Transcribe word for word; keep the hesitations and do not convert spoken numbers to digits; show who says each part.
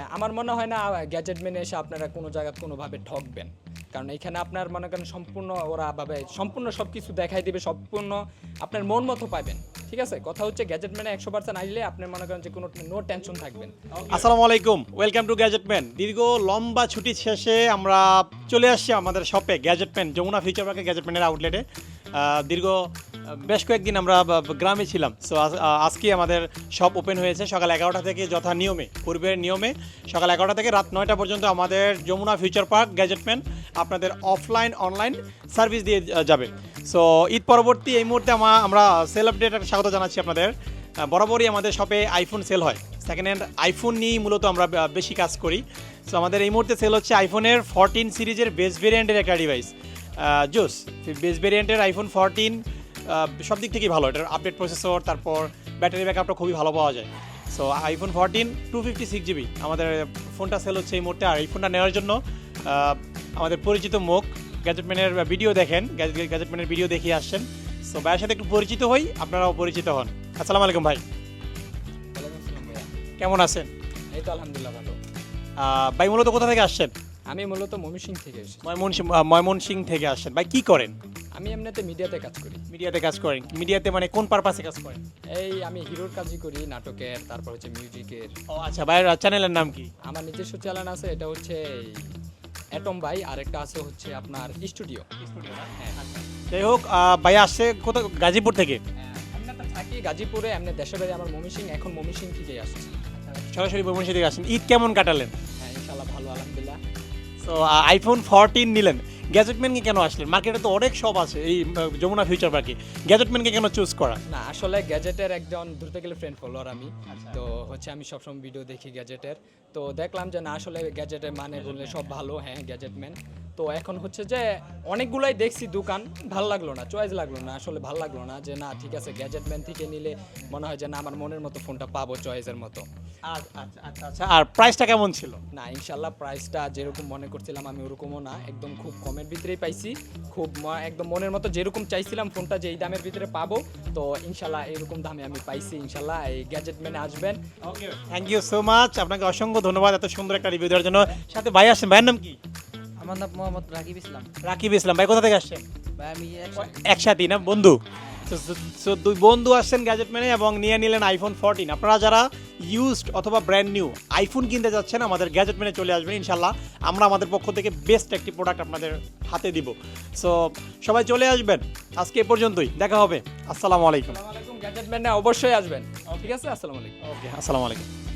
Speaker 1: আমার মনে হয় না গ্যাজেট মেনে এসে আপনারা কোনো জায়গায় কোনোভাবে ঠকবেন, কারণ এখানে আপনার মনে করেন সম্পূর্ণ ওরা ভাবে সম্পূর্ণ সব কিছু দেখাই দিবে, সম্পূর্ণ আপনার মন মতো পাবেন। ঠিক আছে, কথা হচ্ছে গ্যাজেট ম্যানে একশো পার্সেন্ট আসলে আপনার মনে করেন যে কোনো নো টেনশন থাকবেন।
Speaker 2: আসসালামু আলাইকুম, ওয়েলকাম টু গ্যাজেটম্যান। দীর্ঘ লম্বা ছুটি শেষে আমরা চলে আসছি আমাদের শপে গ্যাজেটম্যান যমুনা ফিউচার পার্কে গ্যাজেটম্যানের আউটলেটে। দীর্ঘ বেশ কয়েকদিন আমরা গ্রামে ছিলাম, সো আজকে আমাদের শপ ওপেন হয়েছে সকাল এগারোটা থেকে, যথা নিয়মে পূর্বের নিয়মে সকাল এগারোটা থেকে রাত নয়টা পর্যন্ত আমাদের যমুনা ফিউচার পার্ক গ্যাজেটম্যান আপনাদের অফলাইন অনলাইন সার্ভিস দিয়ে যাবে। সো ঈদ পরবর্তী এই মুহূর্তে আমরা সেল আপডেটের স্বাগত জানাচ্ছি আপনাদের। বরাবরই আমাদের শপে আইফোন সেল হয়, সেকেন্ড হ্যান্ড আইফোন নিয়েই মূলত আমরা বেশি কাজ করি। সো আমাদের এই মুহূর্তে সেল হচ্ছে আইফোনের ফোরটিন সিরিজের বেস ভেরিয়েন্টের একটা ডিভাইস জোস। বেস ভেরিয়েন্টের আইফোন ফোরটিন সব দিক থেকেই ভালো, এটার আপডেট প্রসেসর, তারপর ব্যাটারি ব্যাকআপটা খুবই ভালো পাওয়া যায়। So iPhone fourteen two fifty six GB আমাদের ফোনটা সেল হচ্ছে এই মুহূর্তে। আর এই ফোনটা নেওয়ার জন্য আমাদের পরিচিত মুখ গ্যাজেটম্যানের ভিডিও দেখেন, গ্যাজেটম্যানের ভিডিও দেখিয়ে আসছেন। সো ভাইয়ের সাথে একটু পরিচিত হই, আপনারাও পরিচিত হন। আসসালামু আলাইকুম ভাই, কেমন আছেন?
Speaker 1: এই তো আলহামদুলিল্লাহ ভালো।
Speaker 2: ভাই মূলত কোথা থেকে আসছেন?
Speaker 1: আমি মূলত ময়মনসিংহ থেকে এসেছি।
Speaker 2: ময়মনসিং ময়মনসিংহ থেকে আসছেন। ভাই কি করেন?
Speaker 1: আমি এমনিতে মিডিয়াতে কাজ করি।
Speaker 2: মিডিয়াতে কাজ করেন? মিডিয়াতে মানে কোন পারপাসে কাজ করেন?
Speaker 1: এই আমি হিরোর কাজই করি, নাটকের, তারপর হচ্ছে মিউজিকের।
Speaker 2: ও আচ্ছা, ভাইয়ের চ্যানেলের নাম কি?
Speaker 1: আমার নিজস্ব চ্যানেল আছে, এটা হচ্ছে অ্যাটম ভাই, আর একটা আছে হচ্ছে আপনার স্টুডিও। হ্যাঁ,
Speaker 2: যাই হোক, ভাই আসছে কোথাও গাজীপুর থেকে?
Speaker 1: আমি তো থাকি গাজীপুরে, এমনি দেশের বাড়ি আমার ময়মনসিংহ, এখন ময়মনসিংহ থেকেই আসছি।
Speaker 2: সরাসরি ময়মনসিংহ থেকে আসছেন। ঈদ কেমন কাটালেন?
Speaker 1: হ্যাঁ ইনশাআল্লাহ ভালো, আলহামদুলিল্লাহ।
Speaker 2: সো আইফোন ফোরটিন নিলেন, গ্যাজেটম্যানকে কেন আসলেন? মার্কেটে তো অনেক শপ আছে এই যমুনা ফিউচার পার্কে, গ্যাজেটম্যানকে কেন চুজ করা?
Speaker 1: না আসলে গ্যাজেটের একজন ধরতে গেলে ফ্রেন্ড ফলোয়ার আমি। তো হচ্ছে আমি সবসময় ভিডিও দেখি গ্যাজেটের, তো দেখলাম যে না আসলে গ্যাজেটের মানে বললে সব ভালো। হ্যাঁ গ্যাজেটম্যান, তো এখন হচ্ছে যে অনেকগুলাই দেখছি দোকান, ভালো লাগলো না, চয়েস লাগলো না, আসলে ভালো লাগলো না যে না ঠিক আছে গ্যাজেটম্যান থেকে নিলে মনে হয় যে না আমার মনের মতো ফোনটা পাবো চয়েসের মতো।
Speaker 2: আচ্ছা আচ্ছা আচ্ছা। আর প্রাইসটা কেমন ছিল?
Speaker 1: না ইনশাল্লাহ প্রাইসটা যেরকম মনে করছিলাম আমি ওরকমও না, একদম খুব কমের ভিতরেই পাইছি, খুব একদম মনের মতো যেরকম চাইছিলাম ফোনটা যে এই দামের ভিতরে পাবো, তো ইনশাল্লাহ এরকম দামে আমি পাইছি। ইনশাল্লাহ এই গ্যাজেটম্যানে আসবেন।
Speaker 2: Okay, thank you so much, আপনাকে অসংখ্য ধন্যবাদ এত সুন্দর একটা রিভিউ দেওয়ার জন্য। সাথে ভাই আসছেন, ভাইয়ের নাম কি?
Speaker 3: আমার নাম মোহাম্মদ রাকিব ইসলাম।
Speaker 2: রাকিব ইসলাম। ভাই কোথা থেকে আসছেন?
Speaker 3: ভাই আমি
Speaker 2: একসাথেই না বন্ধু? সো দুই বন্ধু আসছেন গ্যাজেটম্যানে এবং নিয়ে নিলেন আইফোন ফোরটিন। আপনারা যারা ইউজড অথবা ব্র্যান্ড নিউ আইফোন কিনতে যাচ্ছেন আমাদের গ্যাজেটম্যানে চলে আসবেন, ইনশাল্লাহ আমরা আমাদের পক্ষ থেকে বেস্ট একটি প্রোডাক্ট আপনাদের হাতে দিব। সো সবাই চলে আসবেন, আজকে এ পর্যন্তই, দেখা হবে। আসসালামু আলাইকুম।
Speaker 1: গ্যাজেটম্যানে অবশ্যই আসবেন। ঠিক আছে, আসসালামু আলাইকুম।
Speaker 2: ওকে, আসসালামু আলাইকুম।